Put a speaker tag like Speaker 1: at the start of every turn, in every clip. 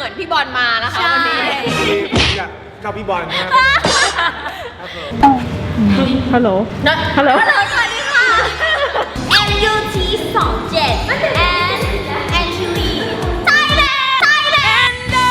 Speaker 1: เหมือนพี่บอลมานะคะวันนี้
Speaker 2: อยากชอบพี่บอลนะครับ
Speaker 3: ฮัลโหลฮัลโหล
Speaker 1: สวัสดีค่ะ MUT 27 and Anthony Thailand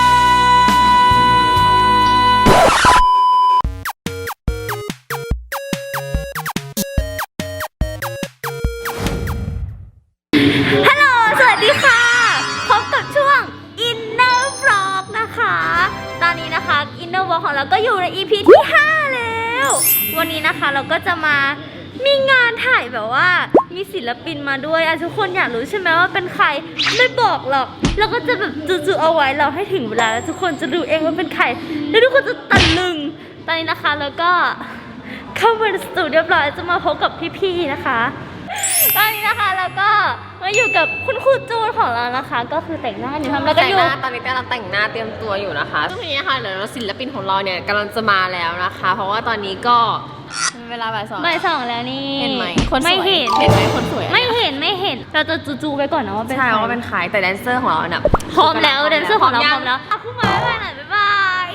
Speaker 1: ฮัลโหล สวัสดีค่ะ พบกับช่วง Inner Vlog นะคะ ตอนนี้นะคะ Inner Vlog ของเราก็อยู่ใน EP ที่ 5 แล้ว วันนี้นะคะเราก็จะมามีงานถ่ายแบบว่ามีศิลปินมาด้วยทุกคนอยากรู้ใช่ไหมว่าเป็นใครไม่บอกหรอกเราก็จะแบบจู่ๆเอาไว้เราให้ถึงเวลาแล้วทุกคนจะรู้เองว่าเป็นใครแล้วทุกคนจะตะลึงตอนนี้นะคะแล้วก็เข้ามาในสตูเรียบร้อยจะมาพบกับพี่ๆนะคะตอนนี้นะคะแล้วก็มาอยู่กับคุณครูจูนของเรานะคะ ก็คือแต่งหน้าอยู่ทำแล้วก็อยู่
Speaker 4: ตอนนี้กำลังแต่งหน้าเตรียมตัวอยู่นะคะซึ่งทีนี้ค่ะเดี๋ยวศิลปินของเราเนี่ยกำลังจะมาแล้วนะคะ เพราะว่าตอนนี้ก็เวลาบ่าย 2
Speaker 1: แล้วนี่
Speaker 4: เห็นไหมคนสวย
Speaker 1: ไม่เห็น
Speaker 4: เห็นไหมคนสวย
Speaker 1: ไม่เห็นเราจะจูๆไปก่อนนะว่าเป็นใคร
Speaker 4: ใช่ว่าเป็นใครแต่แดนเซอร์ของเราเนี่ย
Speaker 1: พร้อมแล้วแดนเซอร์ของเราพร้อมแล้วเอาคู่มาไปหน่อยบ๊ายบาย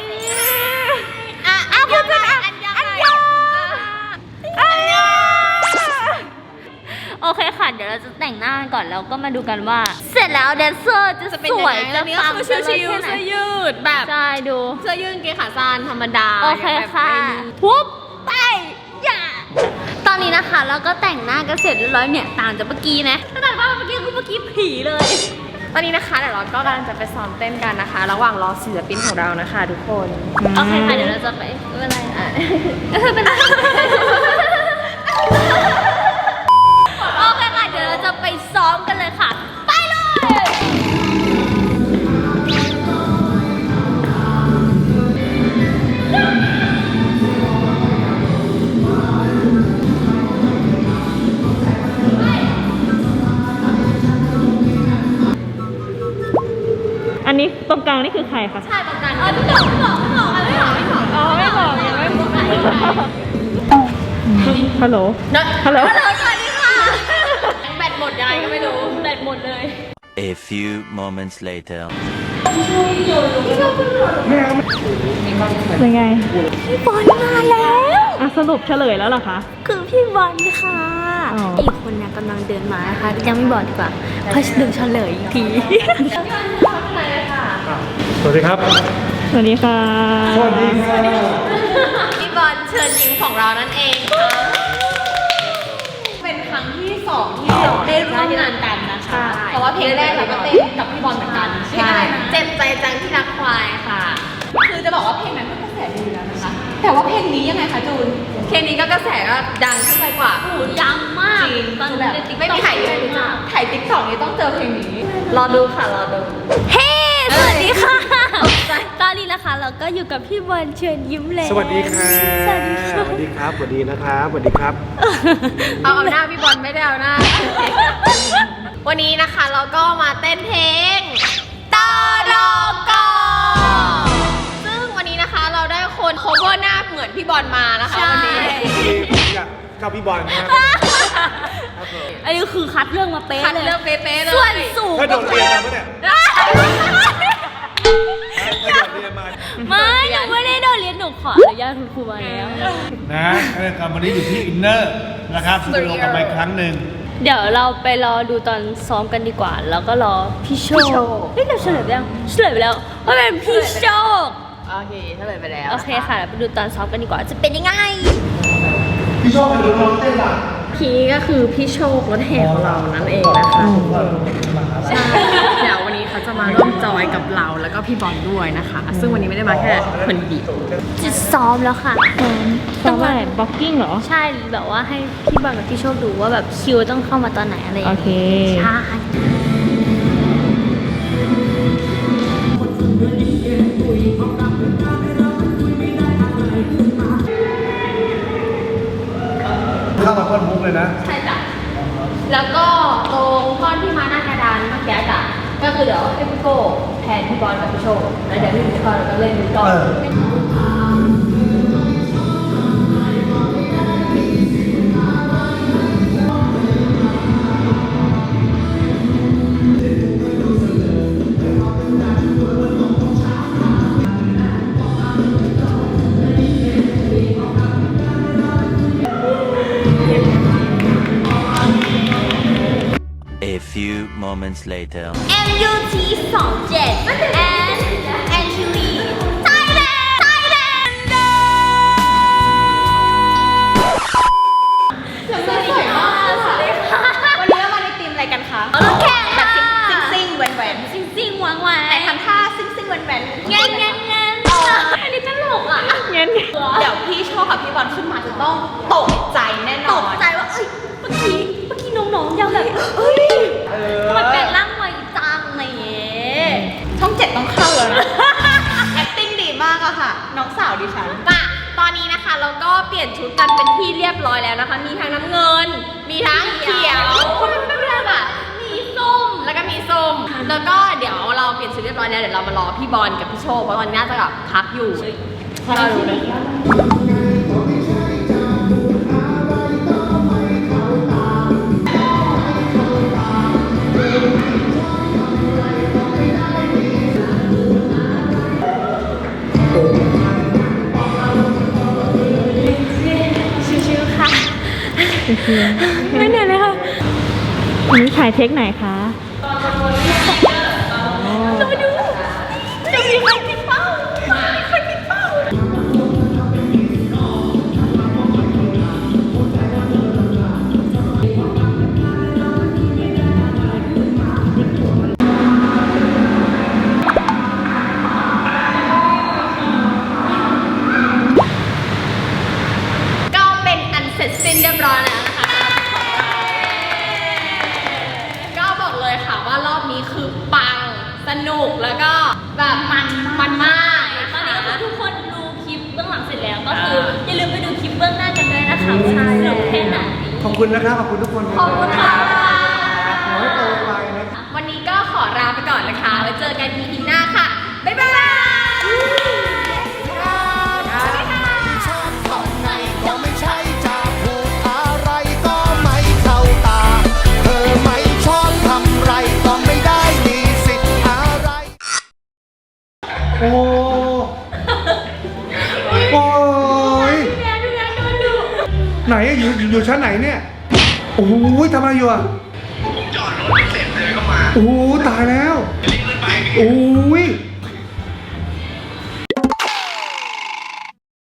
Speaker 1: คุณเป็นอันยองโอเคค่ะเดี๋ยวเราจะแต่งหน้าก่อนแล้วก็มาดูกันว่า เสร็จแล้วแดนเซอร์จะสวยจะปัง
Speaker 4: เสื้อชิวเสื้อยืดแบบ
Speaker 1: ใช่ดู
Speaker 4: เสื้อยืดกางเกงขาสั้นธรรมดา
Speaker 1: โอเคค่ะทุบไปอย่าตอนนี้นะคะเราก็แต่งหน้ากันเสร็จเรียบร้อยเนี่ยต่างจากเมื่อกี้นะแต่ว่าเมื่อกี้ผีเลย
Speaker 4: ตอนนี้นะคะเดี๋ยวเราก็กำลังจะไปซ้อมเต้นกันนะคะ ระหว่างรอศิลปินของเรานะคะ ทุกคน
Speaker 1: โอเคค่ะเดี๋ยวเราจะไปไม่เป็นไรเป็นโอเคค่ะเดี๋ยวเราจะไปซ้อมกันเลยค่ะไปเลย
Speaker 3: อันนี้ตรงกลางนี่คือใครคะ
Speaker 1: ใช่ประกันไม่บอก
Speaker 3: อ๋อไม่บอกยังไม่บอกฮัลโหลฮัลโหล
Speaker 1: สวัสดีค่ะ
Speaker 4: แบตหมดยังไงก็ไม่รู้
Speaker 1: แบตหมดเลย
Speaker 5: A few moments later.
Speaker 3: เป็นไง
Speaker 1: พี่บอลมาแล้ว
Speaker 3: อ่ะสรุปเฉลยแล้วเหรอคะ
Speaker 1: คือพี่บอลค่ะ
Speaker 3: อ๋อ
Speaker 1: อีกคนเนี่ยกำลังเดินมานะคะยังไม่บอกดีกว่าเพราะดึงเฉลยอีกที
Speaker 2: สวัสดีครับ
Speaker 3: สวัสดีค่ะ
Speaker 2: สวัสดีครับ
Speaker 4: พี่บอลเชิญยิ้มของเรานั่นเองค่ะเป็นครั้งที่2ที่เราได้ร่วมงานกันนะคะเพราะว่าเพลงแรกเราก็เต้นกับพี่บอลเหมือนกันใช่เจ็บใจจังที่รักควายค่ะ คือจะบอกว่าเพลงนั้นก็กระแสดีแล้วนะคะ แต่ว่าเพลงนี้ยังไงคะจูน เพลงนี้ก็กระแสก็ดังขึ้นไปกว่า
Speaker 1: โอ้ดังมาก
Speaker 4: จริง
Speaker 1: ตอน
Speaker 4: แบบ
Speaker 1: ในติ๊ก
Speaker 4: ไม่มีใครรู้จักถ่ายติ๊กต็อกนี้ต้องเจอเพลงนี้ รอดูค่ะรอดู
Speaker 1: เฮ้สวัสดีค่ะตอนนี้นะคะเราก็อยู่กับพี่บอลเชิญยิ้มแล้ว
Speaker 2: สวัสดีค่ะ
Speaker 1: สวัสดีค่ะ
Speaker 2: สวัสดีครับ สวัสดีนะครับ สวัสดีครับ
Speaker 4: เอาหน้าพี่บอลไม่ได้เอาหน้า วันนี้นะคะเราก็มาเต้นเพลงตรกซึ่งวันนี้นะคะเราได้คน cover หน้าเหมือนพี่บอลมานะคะวันนี้
Speaker 2: อยากชอบพี่บอลนะครับครับผม
Speaker 1: อันนี้คือคัดเรื่องมาเป๊ะ
Speaker 4: คัด
Speaker 1: เลย
Speaker 4: เลือกเป๊ะๆเลย
Speaker 1: ส่วนสูง
Speaker 2: ถ้าโดดเรียนมาปะเนี่ยถ้าโดดเรียนมา
Speaker 1: ไม่หนูไม่ได้โดนเรียนหนูขออนุญาตคุณครูมาแล้ว
Speaker 2: นะการทำวันนี้อยู่ที่อินเนอร์นะครับสตูดิโอกลับมาอีกครั้งหนึ่ง
Speaker 1: เดี๋ยวเราไปรอดูตอนซ้อมกันดีกว่า แล้วก็รอพี่โชคเฮ้ยเราเฉลยไปยังเฉลยไปแล้วว่าเป็นพี่โชค
Speaker 4: โอเคเฉลยไปแล้ว
Speaker 1: โอเคค่ะเราไปดูตอนซ้อมกันดีกว่าจะเป็นยังไง
Speaker 2: พี่โชคเป็นน้องเต้นป่ะ
Speaker 4: พี่ก็คือพี่โชครถแห่ของเรานั่นเองนะคะใช่เดี๋ยววันนี้เขาจะมาร่วมจอยกับเราแล้วก็พี่บอลด้วยนะคะ ซึ่งวันนี้ไม่ได้มาแค่คนเดียว
Speaker 1: จะซ้อมแล้วค่ะ
Speaker 3: ซ้อมอะไรบล็อกกิ้งเหรอ
Speaker 1: ใช่แบบว่าให้พี่บอลกับพี่โชคดูว่าแบบคิวต้องเข้ามาตอนไหนอะไรอย่าง
Speaker 3: โอ
Speaker 1: เงี้ย
Speaker 3: เค
Speaker 1: ใช่
Speaker 2: เข้ามาต้นมุกเลยนะ
Speaker 1: ใช่จ้ะแล้วก็ตรงท่อนที่มาหน้ากระดานเมื่อกี้จ้ะก็คือเดี๋ยวให้พี่โก้แทนพี่บอลกับพี่โชคแล้วเดี๋ยวพี่บอลก็เล่นมือกลอง
Speaker 2: เ
Speaker 5: moments later.
Speaker 1: MUT 27 and Angelie Thailand สวัสดีค่ะสวัสดีค่ะ
Speaker 4: วันนี้เรามาในทีมอะไรกันคะ
Speaker 1: เอาลูกแข่ง
Speaker 4: แบบ
Speaker 1: ค่ะ
Speaker 4: ซิ่งๆแหวน
Speaker 1: ซิ่งซิ่งหวานหวาน
Speaker 4: ๆแต่ทำท่าซิ่งๆแหวนๆ
Speaker 1: เงี้ยเงี้ยเงี้ยอันนี้ตลกอ่ะ
Speaker 3: เงี้ย
Speaker 4: เดี๋ยวพี่โชว์กับพี่บอลขึ้นมาจะต้องตกใจแน่น
Speaker 1: ต
Speaker 4: อน
Speaker 1: กใจว่าเอ้ยเมื่อกี้น้องๆยังแบบเอ้ยทำไมเป็นร่างไวจังอะไรอย่างเงี้ย
Speaker 4: ช่อง7ต้องเข้าแล้วนะ acting ดีมากอะค่ะ น้องสาวดิฉัน
Speaker 1: ป่ะตอนนี้นะคะเราก็เปลี่ยนชุดกันเป็นที่เรียบร้อยแล้วนะคะ มีทั้งน้ำเงิน มีทั้งเขียวเพื่อนๆอ่ะมีส้ม แล้วก็มีส้ม แล้วก็เดี๋ยวเราเปลี่ยนชุดเรียบร้อยแล้วเดี๋ยวเรามารอพี่บอลกับพี่โชคเพราะตอนนี้น่าจะแบบพักอยู่เราดูเลย ชิวๆค่ะ ไม่เหนื่อยเลยค่ะ
Speaker 3: อันนี้ถ่ายเทคไหนคะ
Speaker 1: จะไปดูจะมีใครติดเป้ามีใครติดเป้า ก็เป็นอันเสร็จสิ้นเรียบร้อยแล้วนะคะ ก็บอกเลยค่ะว่ารอบนี้คือปังสนุกแล้วก็แบบมันมากตอนนี้ก็คือทุกคนดูคลิปเบื้องหลังเสร็จแล้วก็คืออย่าลืมไปดูคลิปเบื้องหน้ากันด้วยนะคะว่าสนุกแค่ไหน
Speaker 2: ขอบคุณนะครับ ขอบคุณทุกคน
Speaker 1: ขอบคุณค่ะ
Speaker 2: ขอให้โตไปนะครับ
Speaker 1: วันนี้ก็ขอลาไปก่อนนะคะไว้เจอกัน EP หน้าค่ะ บ๊ายบาย
Speaker 6: ก็ไม่ใช่จะพูดอะไรก็ไม่เข้าตา เธอไม่ชอบทำไรก็ไม่ได้มีสิทธิ์อะไร
Speaker 2: โอ้โอ้ยไหนอะอยู่ชั้นไหนเนี่ย โอ้โหทำอะไรอยู่อะจอดรถเสร็จเลยก็มา โอ้โหตายแล้ว โอ้ย